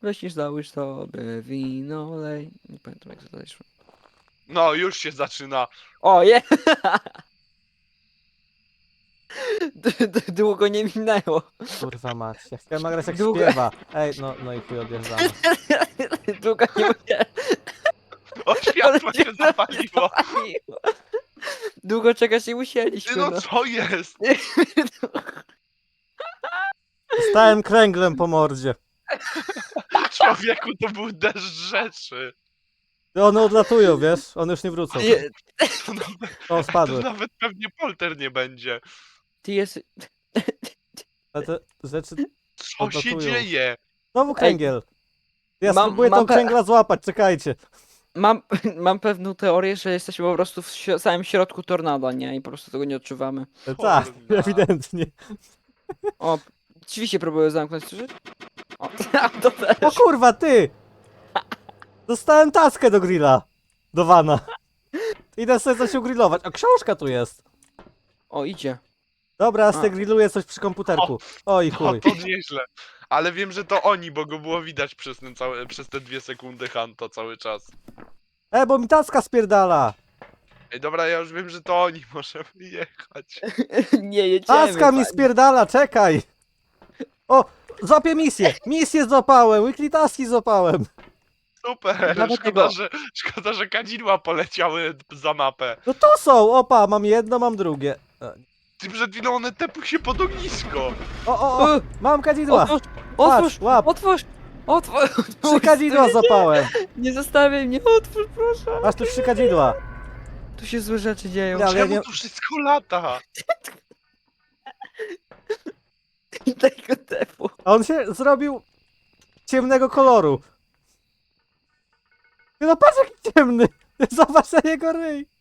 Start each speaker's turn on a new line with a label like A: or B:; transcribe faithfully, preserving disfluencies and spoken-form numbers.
A: Myślisz, załóż sobie wino, lej. Nie pamiętam jak to dalej szło.
B: No, już się zaczyna.
A: O, je! D- d- Długo nie minęło.
C: Kurwa mać. Ja chciałem nagrać jak
A: Długo-
C: śpiewa. Ej, no, no i chuj odjeżdżamy.
A: Długo nie musiałem.
B: O, światło się zapaliło.
A: zapaliło. Długo czekać nie
B: Ty
A: musieliśmy.
B: no,
A: No.
B: co jest?
C: Stałem kręglem po mordzie.
B: Człowieku, to był deszcz rzeczy.
C: One odlatują, wiesz? One już nie wrócą.
A: Nie,
B: To nawet,
C: O,
B: to
C: spadły.
B: nawet pewnie polter nie będzie.
A: ty jest...
C: Ale te rzeczy...
B: Co się
C: Odlatują.
B: dzieje?
C: Znowu kręgiel. Ja
A: Mam-
C: spróbuję
A: mam
C: tą
A: pe-
C: kręgla złapać, czekajcie.
A: Mam, mam pewną teorię, że jesteśmy po prostu w si- samym środku tornada, nie? I po prostu tego nie odczuwamy.
C: E, Tak,
B: Kurna.
C: ewidentnie.
A: O, drzwi próbuję zamknąć, słyszysz? O, to też.
C: O kurwa, ty! Dostałem taskę do grilla. Do wana. Idę sobie coś ugrillować. A książka tu jest.
A: O, idzie.
C: Dobra, ja
A: A.
C: sobie grilluję coś przy komputerku. Oj
B: No
C: chuj.
B: to nieźle. Ale wiem, że to oni, bo go było widać przez, ten cały, przez te dwie sekundy Hanto cały czas.
C: E, bo mi taska spierdala.
B: Ej, dobra, ja już wiem, że to oni, możemy jechać.
A: Nie jedziemy.
C: Taska mi
A: panie.
C: spierdala, czekaj. O, złapię misję. Misję złapałem, weekly taski złapałem.
B: Super,
A: Nawet
B: szkoda,
A: tego-
B: że, szkoda, że kadzidła poleciały za mapę.
C: No to są, opa, mam jedno, mam drugie. E,
B: Ty przed chwilą one tepły się pod ognisko.
C: O, o, o,
A: U,
C: mam kadzidła.
A: Otwórz, otwórz,
C: Patrz, łap.
A: otwórz, otwórz.
C: Trzy kadzidła złapałem.
A: Nie zostawiaj mnie, otwórz proszę.
C: Masz tu trzy kadzidła.
A: Tu się złe rzeczy dzieją.
C: Ja- ale
B: Czemu
C: nie-
B: to wszystko lata?
A: Tego tepu.
C: A on się zrobił ciemnego koloru. Ty no patrz jaki ciemny. Zobacz na jego ryj.